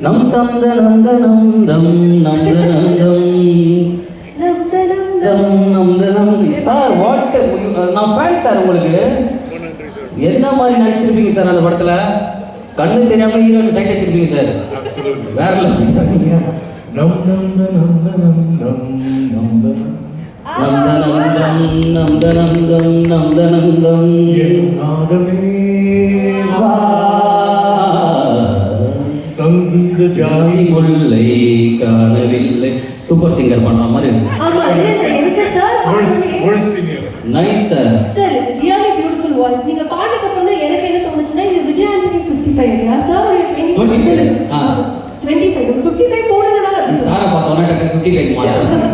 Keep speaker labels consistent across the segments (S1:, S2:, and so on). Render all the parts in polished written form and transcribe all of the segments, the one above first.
S1: நம் தந்த நந்தனம் தம் நந்தனந்தம் சார் வாட் நான் ஃபேன் சார் உங்களுக்கு. என்ன மாதிரி நடிச்சிருப்பீங்க சார் அந்த படத்துல? கண்ணு தெரியாம ஹீரோயின் சைட் வச்சிருப்பீங்க சார். வேற லெவல் சார் நீங்க. சங்கீத ஜாதி முல்லை காணவில்லை. சூப்பர் சிங்கர் பண்ற மாதிரி இருக்கு.
S2: ஆமா எனக்கு sir
S1: nice sir.
S2: Sir really beautiful voice. நீங்க பாட்டுக்கு அப்புறம் தான் எனக்கு என்ன தோணுச்சுன்னா இது விஜய் ஆண்டனி 55 இல்லையா சார்? 25 போடுறதுனால
S1: சாரை பார்த்தோன்னா 55 மாட்டேன்.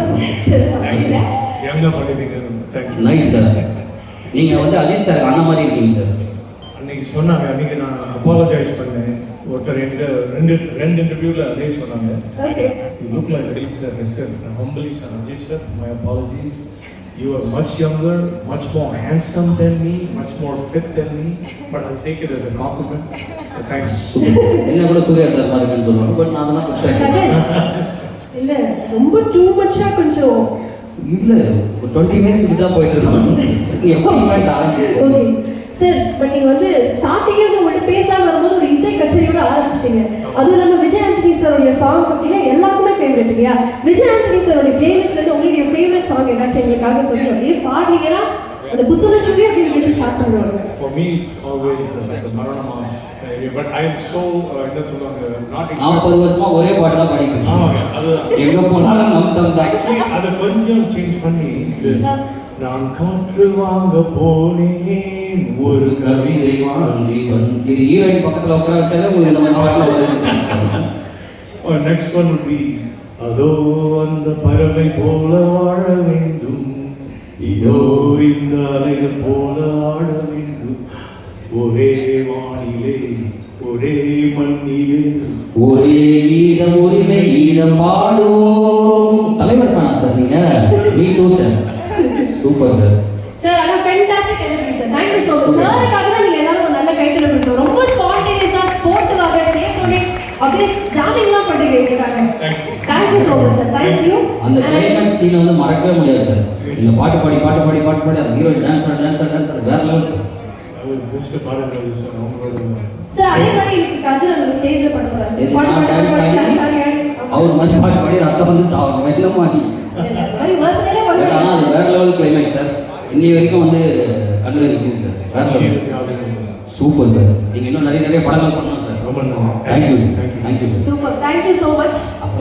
S1: Nice sir. நீங்க வந்து அஜித் சார் அண்ணா மாதிரி இருக்கீங்க சார்.
S3: அன்னைக்கு சொன்னாங்க, அன்னைக்கு நான் அப்பாலஜைஸ் பண்ணேன். ஒருத்தர் ரெண்டு இன்டர்வியூல அதே சொன்னாங்க. You look like Ajit sir. I said, humbly sir, Ajit sir, my apologies. You are much younger, much more handsome than me, much more fit than me, but I'll take it as a compliment. So thanks.
S1: என்ன கூட Surya sir மாதிரி இருக்குன்னு சொல்லுவாங்க. But நான் அதெல்லாம் புடிச்சேன்.
S2: இல்ல ரொம்ப two மச்சா கொஞ்சம்
S1: இல்ல 20 மினிட்ஸ் கிட்ட போயிட்டு இருக்கோம். எப்போ இவெண்ட் ஆரம்பிச்சு.
S2: ஓகே சார், பட் நீங்க வந்து ஸ்டார்டிங்கே உங்கள்ட்ட பேசாம வரும்போது ஒரு இசை கச்சேரியோட ஆரம்பிச்சிட்டீங்க. அதுவும் நம்ம விஜய் ஆண்டனி சாரோட சாங் பார்த்தீங்கன்னா எல்லாருக்குமே ஃபேவரட் இல்லையா? விஜய் ஆண்டனி சாரோட பிளேலிஸ்ட்ல இருந்து உங்களுடைய ஃபேவரட் சாங் ஏதாச்சும் எங்களுக்காக சொல்லி அப்படியே பாடுனீங்கன்னா அந்த புத்துணர்ச்சியோட அப்படி ஸ்டார்ட் பண்ணுவாங்க.
S3: For me it's always the Marana Mass area, but I am so என்ன சொல்றாங்க, not
S1: 40 வருஷமா ஒரே பாட்டு தான் பாடிட்டு.
S3: ஆமாங்க, அது
S1: எங்க போனாலும் நம் தம் தான்.
S3: அது கொஞ்சம் சேஞ்ச் பண்ணி நான் காற்று வாங்க போனேன் ஒரு
S1: கவிதை வாங்கி வந்து ஹீரோயின் பக்கத்துல உட்கார வச்சாலே உங்களுக்கு இந்த பாட்டுல வருது.
S3: or next one would be அதோ அந்த பறவை போல வாழ வேண்டும், இதோ இந்த அலைகள் போல ஆட வேண்டும், ஒரே வானிலே ஒரே மண்ணிலே
S1: ஒரே கீதம் உரிமை கீதம் பாடுவோம். தலைவர் தானா சார் நீங்க? Me too sir. Super sir.
S2: Sir ஆனா fantastic energy sir. Thank you so much. சாருக்காக தான் நீங்க எல்லாரும் ஒரு நல்ல கைத்தல கொடுத்தோம். ரொம்ப ஸ்பான்டேனியஸா ஸ்போர்ட்டுக்காக கேட்டோனே அப்படியே ஜாமிங்லாம் பண்றீங்க இதுக்காக. Thank you so much sir. Thank you.
S1: அந்த கிளைமேக்ஸ் சீன் வந்து மறக்கவே முடியாது சார். இந்த பாட்டு பாடி அந்த ஹீரோ டான்ஸ் வேற லெவல் சார்.
S3: அது பெஸ்ட் பாடல் சார். அவங்களோட
S2: சார் அதே மாதிரி கது நம்ம ஸ்டேஜ்ல பண்ண போறோம்.
S1: அவர் மாதிரி பாட்டு பாடி ரத்தம் வந்து சாவணும் வெள்ள மாட்டி.
S2: மாதிரி வர்ஸ்ல பண்ணுவாங்க.
S1: ஆனா அது வேற லெவல் கிளைமேக்ஸ் சார். இன்னி வரைக்கும் வந்து கண்ணுல நிக்குது சார். வேற லெவல். Super sir. நீங்க இன்னும் நிறைய படங்கள் பண்ணணும் சார்.
S3: ரொம்ப நன்றி.
S1: Thank you sir.
S2: Super. Thank you so much.